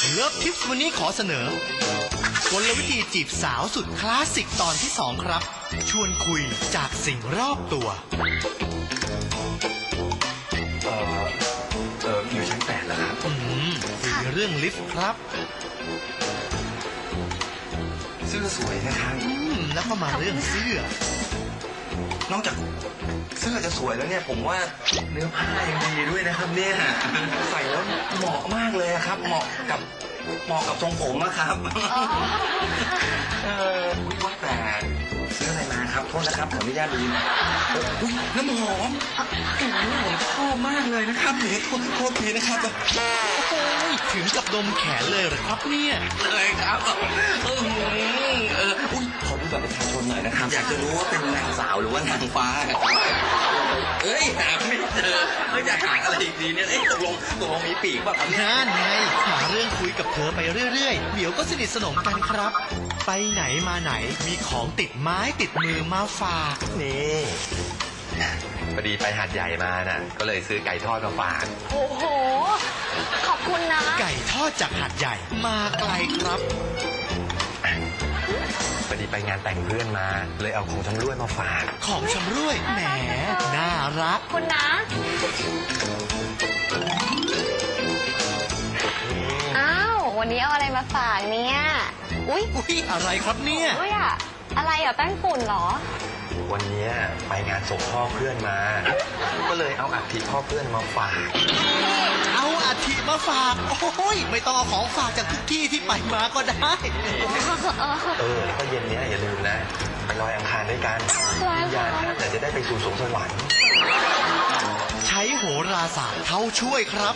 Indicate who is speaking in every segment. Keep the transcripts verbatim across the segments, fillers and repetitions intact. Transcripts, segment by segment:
Speaker 1: เลิฟทิปส์วันนี้ขอเสนอกลวิธีจีบสาวสุดคลาสสิกตอนที่สองครับชวนคุยจากสิ่งรอบตัว
Speaker 2: เออเอออยู่ชั้นแปดแล้วครับ
Speaker 1: อืมคุยเรื่องลิฟต์ครับ
Speaker 2: เสื้อสวยนะครับ
Speaker 1: อืมแล้วก็มาเรื่องเสื้อ
Speaker 2: นอกจากเสื้อจะสวยแล้วเนี่ยผมว่าเนื้อผ้ายังดีด้วยนะครับเนี่ยใส่แล้วเหมาะมากเลยครับเหมาะกับเหมาะกับทรงผมนะครับเออว่าแต่ซื้ออะไรมาครับโทษนะครับขออนุญาตดูอุ้ยน้ำหอมกลิ่นนี้ผมชอบมากเลยนะครับเดี๋ยวโทษโทษทีนะครับ
Speaker 1: โอ้ยถึงกับดมแขนเลยเหรอครับเนี่ย
Speaker 2: เลยครับเออเอออุ้ยขอดูบัตรประชาชนหน่อยนะครับอยากจะรู้ว่าเป็นนางสาวหรือว่านางฟ้าเอ้ยหาไม่เจอไม่อยากหาอะไรอีกดีเนี่ยเอ้ยตกลงตกลงมีปีกป่ะครับ
Speaker 1: นั่นไงหาเรื่องคุยกับเธอไปเรื่อยๆเดี๋ยวก็สนิทสนมกันครับไปไหนมาไหนมีของติดไม้ติดมือมาฝาก
Speaker 2: นี่พอดีไปหาดใหญ่มาน่ะก็เลยซื้อไก่ทอดมาฝาก
Speaker 3: โอ้โหขอบคุณนะ
Speaker 1: ไก่ทอดจากหาดใหญ่มาไกลครับ
Speaker 2: พอดีไปงานแต่งเพื่อนมาเลยเอาของชำร่วยมาฝาก
Speaker 1: ของชำร่วยแหมน่ารัก
Speaker 3: คุณนะอ้าววันนี้เอาอะไรมาฝากเนี่ย
Speaker 1: อุ้ยอุ้ยอะไรครับเนี่ย
Speaker 3: อุ้ยอะอะไรอ่ะแป้งฝุ่นเหรอ
Speaker 2: วันนี้ไปงานศพพ่อเพื่อนมาก็เลยเอาอัฐิพ่อเพื่อนมาฝาก
Speaker 1: เอาอัฐิมาฝากโอ้ยไม่ต้องเอาของฝากจากทุกที่ที่ไปมาก็ได้
Speaker 2: เออแล้วก็เย็นนี้อย่าลืมนะไปลอยอังคารด้วยกันวิญญาณท่านจะได้ไปสู่สวงสวรรค์
Speaker 1: ใช้โหราศาสตร์เข้าช่วยครับ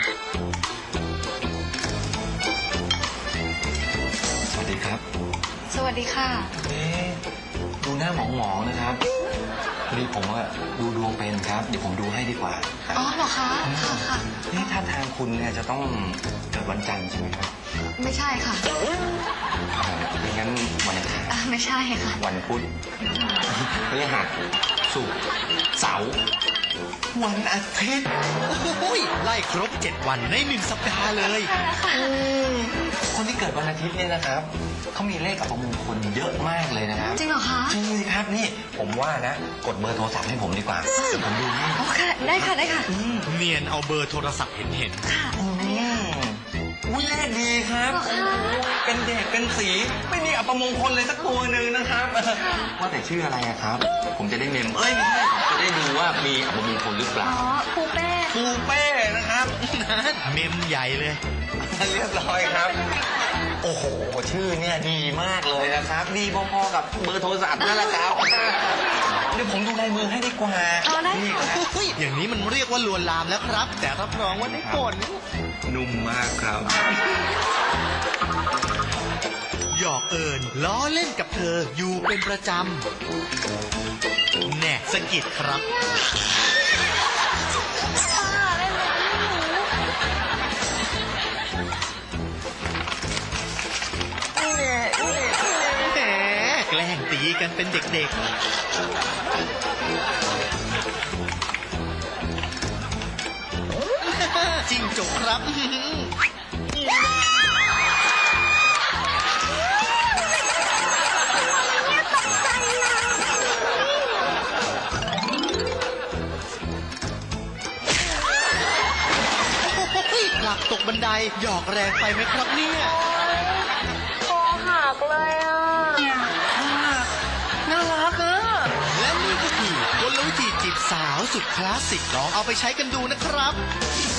Speaker 2: สวัสดีครับ
Speaker 3: สวัสดีค่ะ
Speaker 2: เอ๊ะดูหน้าหมองๆนะครับพอดีผมว่าดูดวงเป็นครับเดี๋ยวผมดูให้ดีกว่า
Speaker 3: อ๋อเหรอคะค่ะค่ะ
Speaker 2: นี่ถ้าทางคุณเนี่ยจะต้องเกิดวันจันทร์ใช่ไหมครับ
Speaker 3: ไม่ใช่ค่ะ
Speaker 2: ไม่งั้นวันอังคาร
Speaker 3: ไม่ใช่ค่ะ
Speaker 2: วันพุธพฤหัสศุกร์เสาร์วันอาทิตย์
Speaker 1: โอ้ยไล่ครบเจ็ดวันในหนึ่งสัปดาห์เลย
Speaker 2: คนที่เกิดวันอาทิตย์เนี่ยนะครับเขามีเลขอัปมงคลเยอะมากเลยนะครับ
Speaker 3: จริงเหรอคะ
Speaker 2: จริงสิครับนี่ผมว่านะกดเบอร์โทรศัพท์ให้ผมดีกว่าเดี๋ยวผมดูให้
Speaker 3: โอเคได้ค่ะได้ค่ะ
Speaker 1: เนียนเอาเบอร์โทรศัพท์เห็นเห็น
Speaker 3: ค่ะ
Speaker 2: อุ้ยเลขดีครับเป็นเด็กเป็นสีไม่มีอัปมงคลเลยสักตัวหนึ่งนะครับว่าแต่ชื่ออะไรครับผมจะได้เมมเอ้ยไม่ใช่จะได้ดูว่ามีอัปมงคลหรือเปล่า
Speaker 3: อ๋อปูเป้
Speaker 2: ปูเป้นะครับ
Speaker 1: เมมใหญ่เลย
Speaker 2: เรียบร้อยครับโอ้โหชื่อเนี่ยดีมากเลยนะครับดีพอๆกับเบอร์โทรศัพท์นั่นแหละครับเดี๋ยวผมดูลายมือให้ดีกว่า
Speaker 3: นี่
Speaker 1: ครับอย่างนี้มันเรียกว่าลวนลามแล้วครับแต่รับรองว่าได้ผล
Speaker 2: นุ่มมากครับ
Speaker 1: หยอกเอิญล้อเล่นกับเธออยู่เป็นประจำแน่สะกิดครับแกล้งตีกันเป็นเด็กๆจริงจกครับหลักตกบันไดหยอกแรงไปไหมครับเนี่ย
Speaker 3: คอหักเลยอ่ะ
Speaker 1: น่ารักอ่ะและนี่ก็คือกลวิธีจีบสาวสุดคลาสสิกลองเอาไปใช้กันดูนะครับ